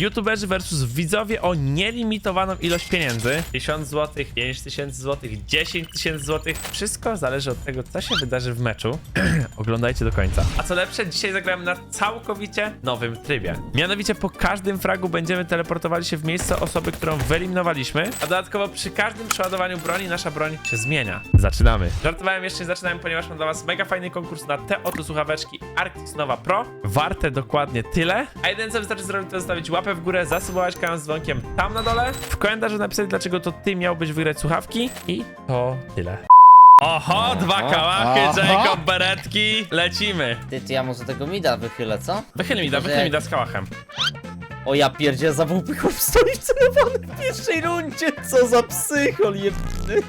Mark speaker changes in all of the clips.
Speaker 1: YouTuberzy versus widzowie o nielimitowaną ilość pieniędzy. 1000 zł, 5000 zł, 10 000 zł. Wszystko zależy od tego, co się wydarzy w meczu. Oglądajcie do końca. A co lepsze, dzisiaj zagramy na całkowicie nowym trybie. Mianowicie po każdym fragu będziemy teleportowali się w miejsce osoby, którą wyeliminowaliśmy, a dodatkowo przy każdym przeładowaniu broni nasza broń się zmienia. Zaczynamy. Żartowałem, jeszcze nie zaczynałem, ponieważ mam dla was mega fajny konkurs na te oto słuchaweczki Arctis Nova Pro. Warte dokładnie tyle. A jedyne co wystarczy zrobić, to zostawić łapę w górę, zasubować kanał z dzwonkiem tam na dole, w komentarzu napisać, dlaczego to ty miałbyś wygrać słuchawki i to tyle. Oho, dwa kałachy, Jacob, beretki, lecimy.
Speaker 2: Ty, ja może tego mida wychylę, co?
Speaker 1: Wychyl mi da z kałachem.
Speaker 2: O ja pierdzie, za WP stoi celowany w pierwszej rundzie. Co za psychol jebany.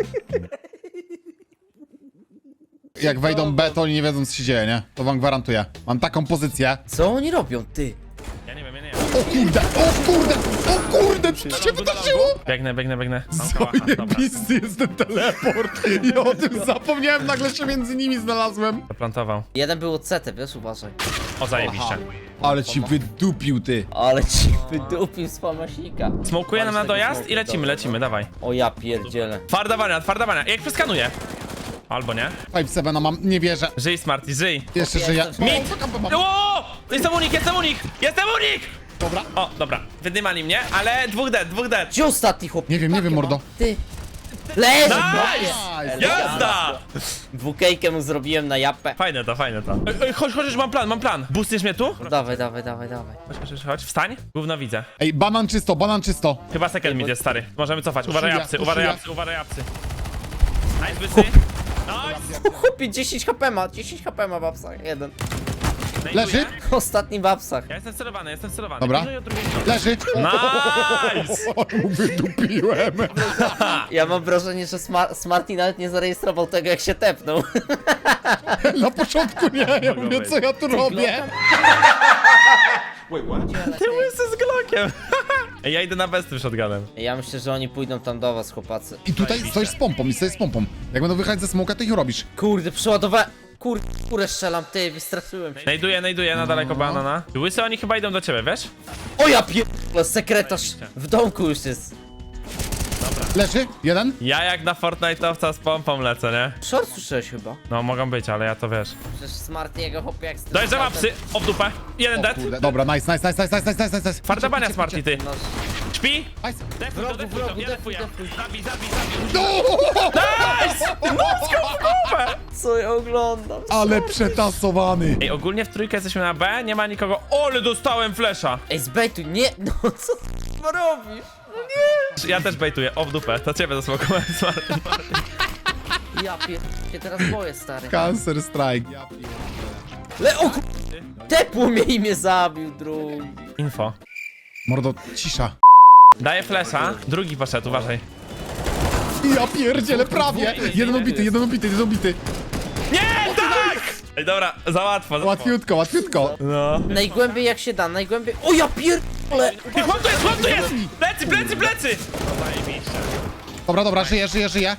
Speaker 3: Jak wejdą B, to oni nie wiedzą, co się dzieje, nie? To wam gwarantuję. Mam taką pozycję.
Speaker 2: Co oni robią, ty?
Speaker 1: Ja nie wiem.
Speaker 3: O kurde, o kurde, o kurde, co się wydarzyło?
Speaker 1: Biegnę. Mam kałacha, dobra.
Speaker 3: Zajebisty jest ten teleport. Ja o tym zapomniałem, nagle się między nimi znalazłem.
Speaker 1: Zaplantował.
Speaker 2: Jeden był od CT, wiesz, uważaj.
Speaker 1: O, zajebiście.
Speaker 3: Ale ci wydupił, ty.
Speaker 2: Ale ci wydupił z pamasika.
Speaker 1: Smokuje nam na dojazd i lecimy, dawaj.
Speaker 2: O ja pierdzielę.
Speaker 1: Twarda bania. Jak przeskanuję? Albo nie.
Speaker 3: 5-7 mam, nie wierzę.
Speaker 1: Żyj, Smarty, żyj.
Speaker 3: Jeszcze żyję.
Speaker 1: Mit! O! Jestem unik!
Speaker 3: Dobra.
Speaker 1: O, dobra. Wydymali mnie, ale dwóch dead.
Speaker 2: Gdzie ostatni chłop?
Speaker 3: Nie wiem, mordo.
Speaker 2: Ty. Leż!
Speaker 1: Nice! Jazda!
Speaker 2: Dwukejkę mu zrobiłem na japę.
Speaker 1: Fajne to. Ej, chodź, już mam plan. Boostniesz mnie tu?
Speaker 2: No dawaj.
Speaker 1: Chodź, wstań. Gówno widzę.
Speaker 3: Ej, banan czysto.
Speaker 1: Chyba second mid jest, stary. Możemy cofać. Uważaj
Speaker 3: Poszuja,
Speaker 1: apsy.
Speaker 3: poszuja.
Speaker 1: Nice, wysy. Nice.
Speaker 2: Chłopie, 10 HP ma w apsach. Jeden.
Speaker 3: Leży?
Speaker 2: Ostatni w apsach.
Speaker 1: Ja jestem celowany.
Speaker 3: Dobra.
Speaker 1: Pilnuj od drugiej strony.
Speaker 3: Leży.
Speaker 1: Nice!
Speaker 3: O, mu wydupiłem.
Speaker 2: Ja mam wrażenie, że Smarty nawet nie zarejestrował tego, jak się tepnął.
Speaker 3: Na początku nie, ja mówię, co ja tu robię.
Speaker 1: Ty łysy z Glockiem. Ej, ja idę na besty shotgunem.
Speaker 2: Ja myślę, że oni pójdą tam do was, chłopacy.
Speaker 3: I tutaj stoisz z pompą, Jak będą wychodzić ze smoka, to ich robisz.
Speaker 2: Kurde, przeładowałem. Kurę strzelam, ty, wystraszyłem się.
Speaker 1: Najduję na daleko banana. Łysy, oni chyba idą do ciebie, wiesz?
Speaker 2: O ja pierdolę, sekretarz w domku już jest.
Speaker 3: Leży? Jeden?
Speaker 1: Ja jak na Fortnite'owca z pompą lecę, nie?
Speaker 2: Short słyszałeś chyba.
Speaker 1: No, mogą być, ale ja to wiesz.
Speaker 2: Przecież Smarty jego hopie jak
Speaker 1: Dojeżdżam apsy, o w dupę. Jeden dead.
Speaker 3: Kurde, dobra, nice.
Speaker 1: Twarda bania Smarty, ty.
Speaker 2: No,
Speaker 1: Śpi?
Speaker 3: Nice.
Speaker 1: Defuj, ja defuję. Zabij.
Speaker 2: co ja oglądam?
Speaker 3: Ale przetasowany.
Speaker 1: Ej, ogólnie w trójkę jesteśmy na B, nie ma nikogo. Ole, dostałem flesza.
Speaker 2: Ej, zbejtuj, nie, no co ty robisz?
Speaker 1: Ja też bejtuję, o w dupę. To ciebie zasmokowałem, Smarty.
Speaker 2: Ja się teraz boję, stary.
Speaker 3: Cancer strike. Ja
Speaker 2: O tepło mnie i mnie zabił, drugi.
Speaker 1: Info.
Speaker 3: Mordo, cisza.
Speaker 1: Daję flesza, drugi poszedł, uważaj.
Speaker 3: Ja pierdzielę, prawie. Jeden ubity.
Speaker 1: Nie, tak! Ej, dobra, za łatwo.
Speaker 3: Łatwiutko.
Speaker 1: No.
Speaker 2: Najgłębiej jak się da, najgłębiej. O ja pierdolę!
Speaker 1: Ty, chłop tu jest! Plecy! No zajebiście.
Speaker 3: Dobra, żyję.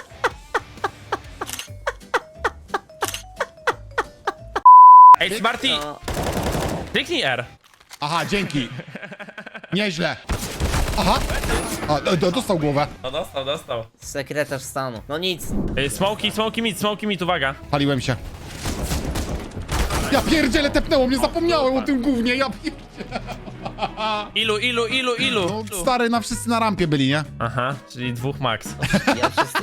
Speaker 1: Ej, Smarty,
Speaker 2: No.
Speaker 1: kliknij R.
Speaker 3: Aha, dzięki. Nieźle. Aha. Dostał głowę.
Speaker 1: No dostał.
Speaker 2: Sekretarz stanu. No nic.
Speaker 1: Ej, smoki mit, uwaga.
Speaker 3: Paliłem się. Ja pierdzielę, tepnęło mnie, zapomniałem o tym gównie, ja pierdzielę.
Speaker 1: Ilu?
Speaker 3: No, stary, wszyscy na rampie byli, nie?
Speaker 1: Aha, czyli dwóch max.
Speaker 2: Ja wszyscy...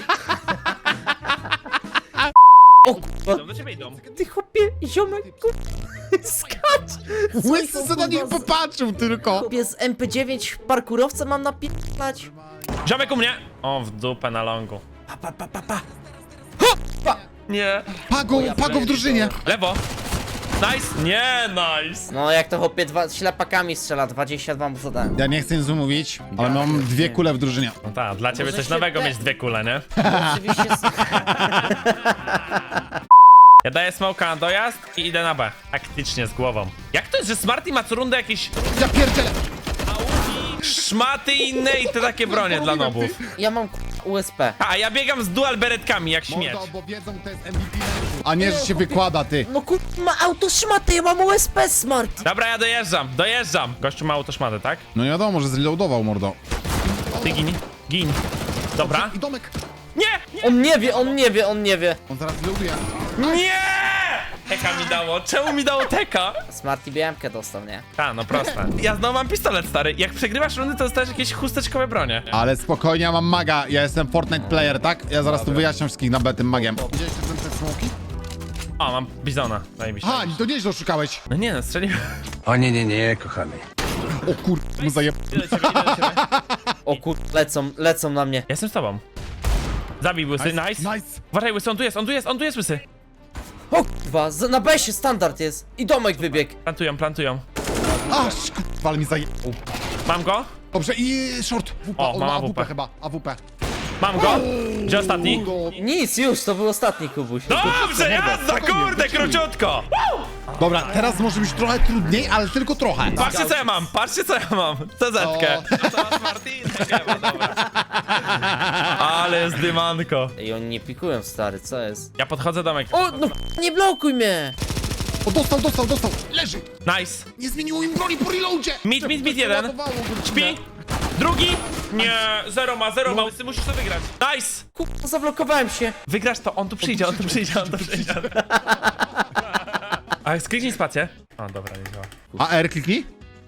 Speaker 2: O kurwa,
Speaker 1: Do ciebie idą.
Speaker 2: ty chłopie, ziomek, skacz!
Speaker 3: Łysy co na nich popatrzył tylko.
Speaker 2: Chłopie z MP9 parkurowca mam napisać.
Speaker 1: Ziomek u mnie. O, w dupę na longu. Nie.
Speaker 3: Pago w drużynie.
Speaker 1: Lewo. Nice. Nie, nice.
Speaker 2: No jak to chłopie ślepakami strzela, 22 mu zadałem.
Speaker 3: Ja nie chcę nic mówić, ale mam dwie kule w drużynie.
Speaker 1: No tak, dla ciebie
Speaker 2: Może
Speaker 1: coś
Speaker 2: się
Speaker 1: nowego
Speaker 2: te-
Speaker 1: mieć dwie kule, nie?
Speaker 2: Oczywiście
Speaker 1: Ja daję smoka na dojazd i idę na B. Taktycznie z głową. Jak to jest, że Smarty ma co rundę jakieś
Speaker 3: Ja pierdzielę.
Speaker 1: augi, Szmaty inne i te takie bronie dla nobów.
Speaker 2: Ja mam USP.
Speaker 1: A ja biegam z dual beretkami jak śmieć.
Speaker 3: Mordo, bo wiedzą, to jest MVP. A nie, że się wykłada, ty.
Speaker 2: No ma autoszmatę, ja mam USP, Smart.
Speaker 1: Dobra, ja dojeżdżam. Gościu ma autoszmatę, tak?
Speaker 3: No nie wiadomo, że zreloadował, mordo.
Speaker 1: Ty gin. Dobra.
Speaker 3: I domek.
Speaker 1: Nie!
Speaker 2: On nie wie.
Speaker 3: On zaraz reloaduje.
Speaker 1: Nie! Teka mi dało. Czemu mi dało teka?
Speaker 2: Smarty BM-kę dostał, nie?
Speaker 1: A, no proste. Ja znowu mam pistolet, stary. Jak przegrywasz rundy, to dostajesz jakieś chusteczkowe bronie.
Speaker 3: Ale spokojnie, ja mam maga. Ja jestem Fortnite player, tak? Ja zaraz tu wyjaśniam wszystkich na tym magiem. Widziałeś te smoki?
Speaker 1: O, mam bizona. Zajebiście.
Speaker 3: Ha, to nieźle oszukałeś.
Speaker 1: No nie no, strzeliłem.
Speaker 4: O nie, kochany.
Speaker 3: O kur... mu zajeb...
Speaker 1: Idę do ciebie.
Speaker 2: O kur... lecą na mnie.
Speaker 1: Jestem z tobą. Zabij łysy, nice.
Speaker 3: Nice.
Speaker 1: Uważaj łysy, on tu jest łysy.
Speaker 2: O kurwa, na besie standard jest. I domek wybiegł.
Speaker 1: Plantują.
Speaker 3: Aż kurwa, ale mi zajeb...
Speaker 1: Mam go?
Speaker 3: Dobrze, i short. WP,
Speaker 1: O,
Speaker 3: on
Speaker 1: ma
Speaker 3: ma
Speaker 1: AWP.
Speaker 3: AWP chyba, AWP.
Speaker 1: Mam go? Gdzie ostatni?
Speaker 2: Nic, już, to był ostatni Kubuś.
Speaker 1: Dobrze, jazda, kurde, króciutko!
Speaker 3: Dobra, teraz może być trochę trudniej, ale tylko trochę.
Speaker 1: Patrzcie co ja mam, CZ-kę. Co masz, Martin? Nie ma, dobra. Ale jest dymanko.
Speaker 2: I oni nie pikują, stary, co jest?
Speaker 1: Ja podchodzę domek.
Speaker 2: O, no nie blokuj mnie!
Speaker 3: O, dostał. Leży.
Speaker 1: Nice.
Speaker 3: Nie zmieniło im broni po reloadzie.
Speaker 1: Mid jeden. Śpi. Drugi. Nie, zero ma. Łysy, musisz to wygrać. Nice.
Speaker 2: Kurwa, zablokowałem się.
Speaker 1: Wygrasz to, on tu przyjdzie. A skliknij spację. O, dobra, nie działa.
Speaker 3: A R kliknij.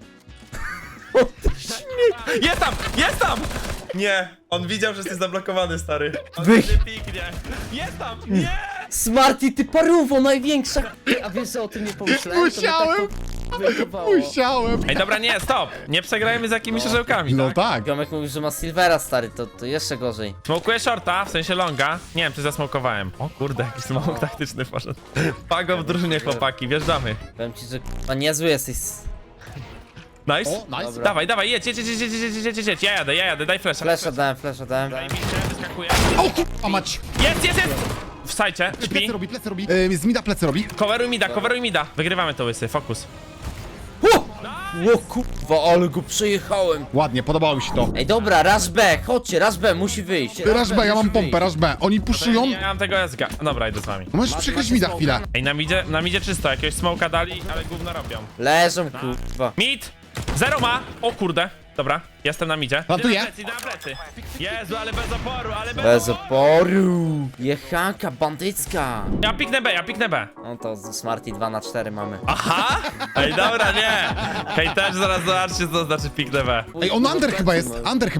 Speaker 1: Jest tam! Nie, on widział, że jesteś zablokowany, stary. On
Speaker 2: Wy-
Speaker 1: nie piknie. Jest tam! Nie!
Speaker 2: Smarty, ty parówo największa. A wiesz, że o tym nie pomyślałem?
Speaker 3: Musiałem. Musiałem.
Speaker 1: Ej, dobra, nie, stop! Nie przegrajmy z jakimiś orzełkami,
Speaker 3: No
Speaker 1: tak?
Speaker 3: tak.
Speaker 2: Ziomek mówił, że ma Silvera, stary, to jeszcze gorzej.
Speaker 1: Smokuję shorta, w sensie longa. Nie wiem, czy zasmokowałem. O kurde, jakiś smok taktyczny poszedł. Pago w drużynie, chłopaki, wjeżdżamy.
Speaker 2: Powiem ci, że kurwa niezły jesteś.
Speaker 1: Nice?
Speaker 3: O, nice.
Speaker 1: Dawaj, jedź. Ja jadę, daj flasha.
Speaker 2: Flasha dałem.
Speaker 1: Zajebiście, wyskakuję.
Speaker 3: O kurwa mać.
Speaker 1: Jest! Wstajcie, śpi.
Speaker 3: Plecy robi. Z mida plecy robi.
Speaker 1: Coveruj mida. Wygrywamy to, łysy, fokus.
Speaker 2: O kurwa, ale go przejechałem.
Speaker 3: Ładnie, podobało mi się to.
Speaker 2: Ej, dobra, Rush B, chodźcie, Rush B, musi wyjść.
Speaker 3: Rush B, ja mam pompę, Rush B. Oni puszują.
Speaker 1: Ja mam tego SG. Dobra, idę z wami.
Speaker 3: Możesz przykryć mida chwilę.
Speaker 1: Ej, na midzie czysto, jakiegoś smoka dali, ale gówno robią.
Speaker 2: Leżą, kurwa.
Speaker 1: Mid! Zero ma! O kurde. Dobra, jestem na midzie.
Speaker 3: Plantuję.
Speaker 1: Idę na plecy. Jezu, ale bez oporu,
Speaker 2: Bez oporu. Jechanka bandycka.
Speaker 1: Ja piknę B.
Speaker 2: No to z Smarty 2 na 4 mamy.
Speaker 1: Aha! Ej, dobra, nie! Hej, też zaraz zobaczcie, co znaczy piknę B.
Speaker 3: Ej, on under chyba jest.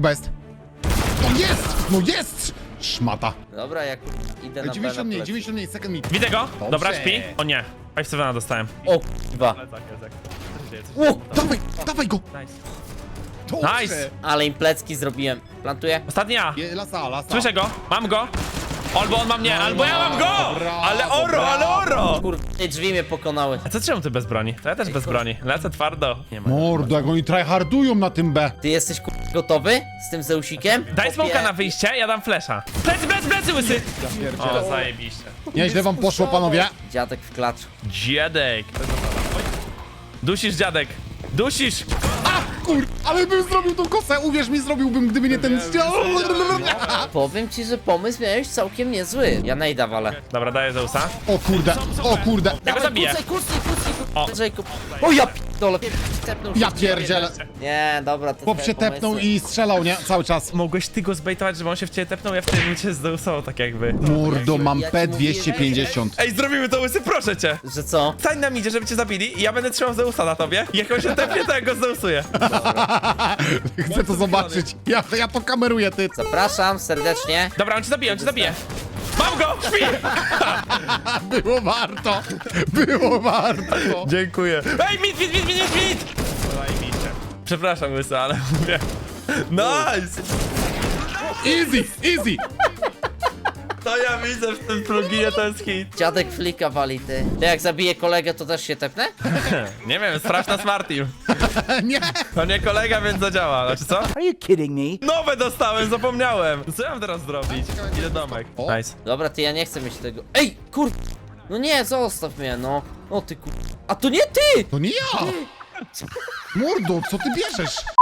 Speaker 3: No jest! Szmata.
Speaker 2: Dobra, jak idę na
Speaker 3: 90
Speaker 2: B
Speaker 3: mniej,
Speaker 2: na plecy.
Speaker 3: 90 mniej, second mid.
Speaker 1: Widzę go?
Speaker 3: Dobrze.
Speaker 1: Dobra, śpi. O nie. 5-7 dostałem.
Speaker 2: O kurwa. O,
Speaker 3: Dawaj go!
Speaker 1: Nice.
Speaker 3: Dobrze.
Speaker 1: Nice.
Speaker 2: ale im plecki zrobiłem. Plantuję.
Speaker 1: Ostatni ja.
Speaker 3: Lasa.
Speaker 1: Słyszę go, mam go. Albo on ma mnie, albo ja mam go!
Speaker 3: Brawo,
Speaker 1: Ale oro!
Speaker 2: Kurwa, te drzwi mnie pokonały.
Speaker 1: A co czemu ty bez broni? To ja też bez broni. Lecę twardo. Nie ma.
Speaker 3: Mordo, jak oni tryhardują na tym B.
Speaker 2: Ty jesteś kurwa gotowy z tym Zeusikiem?
Speaker 1: Daj smoka
Speaker 2: Chłopie.
Speaker 1: na wyjście, ja dam flesza. Plecy, łysy! O, zajebiście.
Speaker 3: Nieźle wam poszło, panowie.
Speaker 2: Dziadek w klaczu.
Speaker 1: Dziadek. Dusisz, dziadek. Dusisz!
Speaker 3: Kur... Ale bym zrobił tą kosę, uwierz mi, zrobiłbym, gdyby nie ten...
Speaker 2: Powiem ci, że pomysł miałeś całkiem niezły. Ja nejda walę.
Speaker 1: Dobra, daję Zeusa.
Speaker 3: O kurde.
Speaker 1: Ja go zabiję.
Speaker 2: Kucaj.
Speaker 1: O.
Speaker 2: Jacob. O ja p***dolę. Tepnął się.
Speaker 3: Ja pierdzielę.
Speaker 2: Nie, dobra, to
Speaker 3: Chłop
Speaker 2: twoje
Speaker 3: się tepnął
Speaker 2: pomysły.
Speaker 3: i strzelał, nie? Cały czas.
Speaker 1: Mogłeś ty go zbejtować, żeby on się w ciebie tepnął, ja w tym momencie zdeusował tak jakby.
Speaker 3: Mordo, mam
Speaker 2: Ja ci
Speaker 3: P250.
Speaker 1: Ej, zrobimy to, łysy, proszę cię!
Speaker 2: Że co?
Speaker 1: Stań na midzie, żeby cię zabili i ja będę trzymał Zeusa na tobie. I jak on się tepnie, to ja go zdeusuję.
Speaker 3: Chcę to zobaczyć. Ja to kameruję, ty.
Speaker 2: Zapraszam serdecznie.
Speaker 1: Dobra, on cię zabije. Mam go! Śpi!
Speaker 3: Było warto. Było warto.
Speaker 1: Dziękuję. Ej, mit! Zajebiście. Przepraszam, łysy, ale mówię. Nice!
Speaker 3: Easy.
Speaker 1: To ja widzę w tym pluginie, to jest hit.
Speaker 2: Dziadek flika wali, ty. Ty jak zabiję kolegę, to też się tepnę?
Speaker 1: Nie wiem, sprawdź na Smart Team.
Speaker 3: Nie.
Speaker 1: To nie kolega, więc zadziała. Znaczy co?
Speaker 4: Are you kidding me?
Speaker 1: Nowe dostałem, zapomniałem. Co ja mam teraz zrobić? Idę domek.
Speaker 3: O.
Speaker 1: Nice.
Speaker 2: Dobra, ty, ja nie chcę mieć tego. Ej, kur... No nie, zostaw mnie, no. O ty kur... A to nie ty!
Speaker 3: To nie ja. Mordo, co ty bierzesz?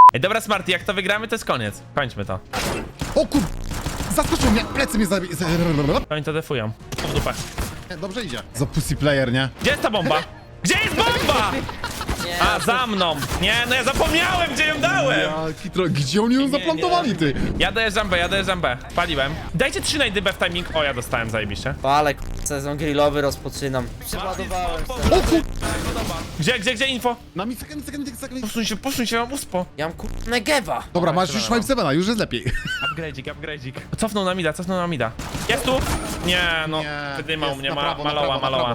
Speaker 1: Ej, dobra, Smarty, jak to wygramy, to jest koniec. Kończmy to.
Speaker 3: O kur... Zaskoczył mnie, plecy mnie zabi...
Speaker 1: Oni to defują. W dupę.
Speaker 3: Dobrze idzie. Za pussy player, nie?
Speaker 1: Gdzie jest ta bomba? Gdzie jest bomba?
Speaker 2: Nie,
Speaker 1: A, za mną. Nie, no ja zapomniałem, gdzie ją dałem.
Speaker 3: Gdzie oni ją zaplantowali, ty?
Speaker 1: Ja dojeżdżam B. Paliłem. Dajcie 3 najdy B w timing. O, ja dostałem zajebiście.
Speaker 2: palę, sezon grillowy rozpoczynam. Przeładowałem se.
Speaker 3: O kur...
Speaker 1: Gdzie info?
Speaker 3: Na mi sekund.
Speaker 1: Posuń się, mam uspo.
Speaker 2: Ja mam Negewa.
Speaker 3: Dobra, masz już 5-7, już jest lepiej.
Speaker 1: Upgrade'ik. Cofnął na mida. Jest tu? Nie, no. Wydymał
Speaker 3: jest
Speaker 1: mnie,
Speaker 3: na prawo, na
Speaker 1: maloła.
Speaker 3: prawo.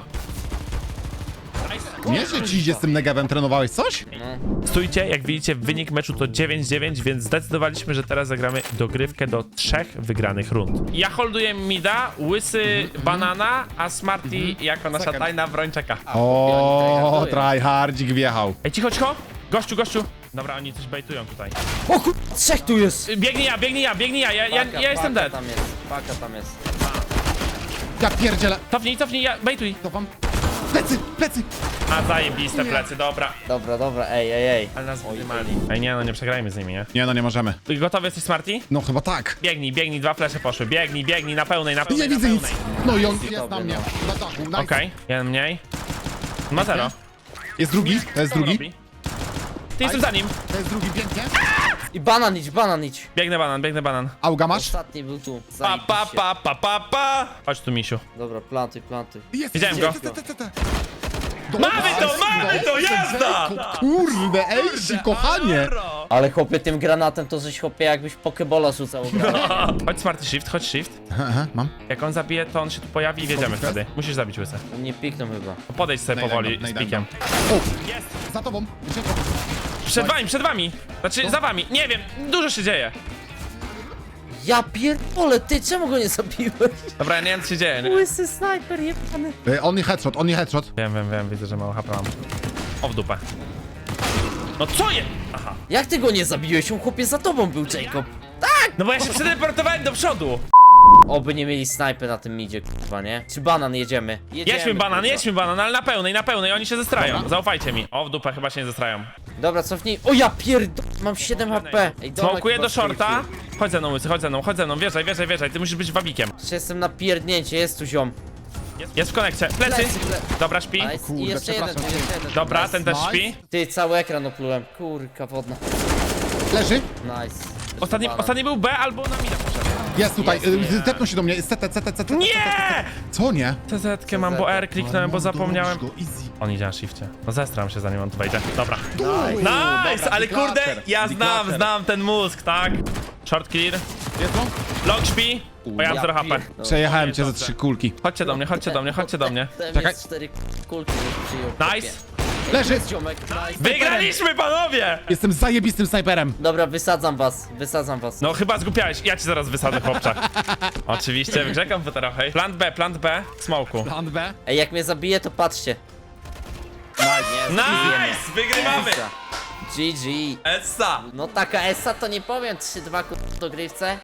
Speaker 3: Nie, że ci idzie z tym negewem, trenowałeś coś?
Speaker 1: Stójcie, jak widzicie, wynik meczu to 9-9, więc zdecydowaliśmy, że teraz zagramy dogrywkę do 3 wygranych rund. Ja holduję mida, Łysy banana, a Smarty jako nasza
Speaker 3: Second.
Speaker 1: tajna broń czeka.
Speaker 3: O, tryhardzik wjechał.
Speaker 1: Ej, cicho! Gościu! Dobra, oni coś bejtują tutaj.
Speaker 2: O kur... trzech tu jest.
Speaker 1: Biegnij ja, ja jestem dead.
Speaker 2: Tam jest, paka tam jest.
Speaker 3: Ja pierdzielę.
Speaker 1: Cofnij, ja bejtuj.
Speaker 3: To wam... Plecy!
Speaker 1: A, zajebiste plecy, dobra.
Speaker 2: Dobra, ej.
Speaker 1: Ale nas wydymali. Ej, nie, no nie przegrajmy z nimi, nie?
Speaker 3: Nie, no nie możemy.
Speaker 1: Gotowy jesteś, Smarty?
Speaker 3: No chyba tak.
Speaker 1: Biegnij, 2 flesze poszły. Biegnij, na pełnej.
Speaker 3: Nie widzę nic. No i on jest
Speaker 2: Dobry,
Speaker 3: na mnie. Na dachu, nice.
Speaker 1: Okej, jeden mniej. Ma 0.
Speaker 3: Jest drugi, to jest drugi.
Speaker 1: Ty jestem za nim.
Speaker 3: To jest drugi, pięknie.
Speaker 2: I banan idź.
Speaker 1: Biegnę banan.
Speaker 3: Auga masz?
Speaker 2: Ostatni był tu.
Speaker 1: Pa. Chodź tu, misiu.
Speaker 2: Dobra, planty.
Speaker 3: Jest,
Speaker 1: Widziałem go. Mamy to, jazda!
Speaker 3: Kurde, ejsi, kochanie.
Speaker 2: Ale chłopie, tym granatem to żeś chłopie jakbyś pokebola rzucał.
Speaker 1: Chodź, Smarty, chodź shift.
Speaker 3: Aha, mam.
Speaker 1: Jak on zabije, to on się tu pojawi i wiedziemy wtedy. Musisz zabić Łysę.
Speaker 2: Nie pikną chyba.
Speaker 1: Podejdź sobie powoli z
Speaker 3: Najdam.
Speaker 1: pikiem.
Speaker 3: O,
Speaker 1: Jest!
Speaker 3: za tobą.
Speaker 1: Przed wami! Znaczy, za wami. Nie wiem, dużo się dzieje.
Speaker 2: Ja pierdolę, ty czemu go nie zabiłeś?
Speaker 1: Dobra, ja nie wiem, co się dzieje. Nie?
Speaker 2: Łysy snajper jebany.
Speaker 3: Only headshot.
Speaker 1: Wiem, widzę, że mało HP mam. O, w dupę. No co je? Aha.
Speaker 2: Jak ty go nie zabiłeś? On chłopie za tobą był, Jacob.
Speaker 1: No bo ja się przeteleportowałem do przodu.
Speaker 2: Oby nie mieli snajpy na tym midzie, kurwa, nie? Czy banan jedziemy?
Speaker 1: Jedźmy banan, ale na pełnej, oni się zestrają.
Speaker 3: Dobra.
Speaker 1: Zaufajcie mi. O, w dupę chyba się nie zestrają.
Speaker 2: Dobra, cofnij. O ja pierdolę, mam 7 HP. Ej, domek
Speaker 1: Smokuję
Speaker 2: chyba
Speaker 1: do shorta.
Speaker 2: skrypił.
Speaker 1: Chodź ze mną, Łysy, chodź ze mną. Wierzaj, ty musisz być wabikiem.
Speaker 2: Jeszcze jestem na pierdnięcie, jest tu ziom.
Speaker 1: Jest w konekcie. Plecy. Dobra, śpi.
Speaker 2: Nice.
Speaker 3: kurde,
Speaker 2: I jeszcze jeden,
Speaker 3: przepraszam.
Speaker 2: tu jest jeden.
Speaker 1: Dobra,
Speaker 2: Nice.
Speaker 1: ten też
Speaker 3: Nice.
Speaker 1: śpi.
Speaker 2: Ty, cały ekran oplułem. Kurka wodna.
Speaker 3: Leży.
Speaker 2: Nice.
Speaker 1: Ostatni był B albo na mida poszedł.
Speaker 3: Jest tutaj.
Speaker 2: Jest.
Speaker 3: Tepnął się do mnie. CT.
Speaker 1: Nie!
Speaker 3: Co nie?
Speaker 1: TZ-kę mam, bo R kliknąłem, bo zapomniałem.
Speaker 3: Easy.
Speaker 1: On idzie na shifcie. No zestram się zanim on tu wejdzie. Dobra.
Speaker 3: Nice,
Speaker 1: Nice, ale kurde, ja znam ten mózg, tak? Short clear.
Speaker 3: Jest on?
Speaker 1: Long śpi. O, ja mam 0 HP.
Speaker 3: Przejechałem cię ze 3 kulki.
Speaker 1: Chodźcie do mnie.
Speaker 2: Czekaj. 4 kulki przyjął.
Speaker 1: Nice.
Speaker 3: Leży.
Speaker 2: Jest ziomek, nice.
Speaker 1: Wygraliśmy, panowie!
Speaker 3: Jestem zajebistym snajperem.
Speaker 2: Dobra, wysadzam was.
Speaker 1: No chyba zgupiałeś, ja ci zaraz wysadzę, chłopcze. Oczywiście, w grze komputerowej. Plant B, smoku.
Speaker 3: Plan B.
Speaker 2: Ej, jak mnie zabije, to patrzcie.
Speaker 1: Nice! Wygrywamy!
Speaker 2: GG.
Speaker 1: Essa!
Speaker 2: No taka Essa to nie powiem, 3-2 ku dogrywce.